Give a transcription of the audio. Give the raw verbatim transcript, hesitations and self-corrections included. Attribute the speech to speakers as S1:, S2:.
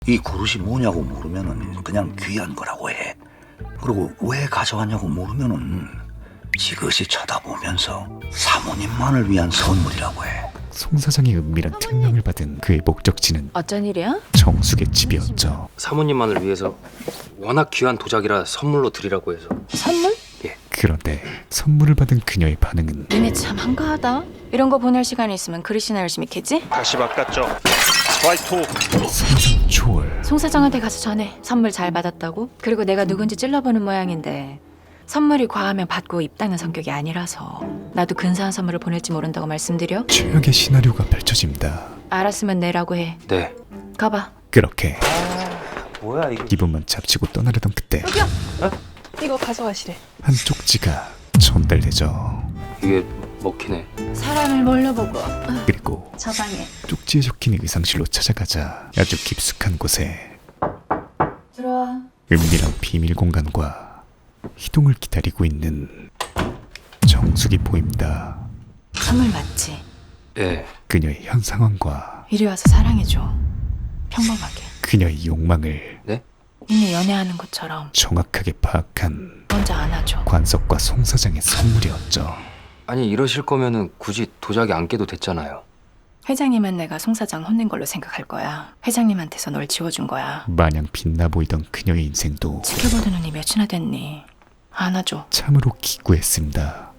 S1: 이 그릇이 뭐냐고 물으면은 그냥 귀한 거라고 해. 그리고 왜 가져왔냐고 물으면은 지그시 쳐다보면서 사모님만을 위한 선물이라고 해.
S2: 송 사장의 은밀한 특명을 받은 그의 목적지는
S3: 어쩐 일이야?
S2: 정숙의 집이었죠.
S4: 사모님만을 위해서 워낙 귀한 도자기라 선물로 드리라고 해서.
S3: 선물?
S2: 그런데 선물을 받은 그녀의 반응은
S3: 니네 참 한가하다. 이런 거 보낼 시간이 있으면 그릇이나 열심히 캐지?
S5: 다시 바꿨죠. 스트라이크 투.
S2: 상상 초월.
S3: 송 사장한테 가서 전해. 선물 잘 받았다고? 그리고 내가 누군지 찔러보는 모양인데 선물이 과하면 받고 입 닦는 성격이 아니라서 나도 근사한 선물을 보낼지 모른다고 말씀드려?
S2: 최악의 시나리오가 펼쳐집니다.
S3: 알았으면 내라고 해.
S4: 네.
S3: 가봐.
S2: 그렇게
S4: 뭐야 이게?
S2: 기분만 잡치고 떠나려던 그때
S6: 이거 가져가시래.
S2: 한 쪽지가 전달되죠.
S4: 이게 먹히네.
S3: 사람을 몰라보고
S2: 그리고
S3: 저 방에
S2: 쪽지에 적힌 의상실로 찾아가자 아주 깊숙한 곳에
S3: 들어와.
S2: 은밀한 비밀 공간과 희동을 기다리고 있는 정숙이 보입니다.
S3: 선물 맞지?
S4: 예.
S2: 그녀의 현 상황과
S3: 이리 와서 사랑해줘. 평범하게.
S2: 그녀의 욕망을
S3: 니네 연애하는 것처럼
S2: 정확하게 파악한
S3: 먼저 안아줘.
S2: 관석과 송 사장의 선물이었죠.
S4: 아니 이러실 거면은 굳이 도자기 안 깨도 됐잖아요.
S3: 회장님은 내가 송 사장 혼낸 걸로 생각할 거야. 회장님한테서 널 지워준 거야.
S2: 마냥 빛나 보이던 그녀의 인생도
S3: 지켜보는 눈이 몇이나 됐니? 안아줘.
S2: 참으로 기구했습니다.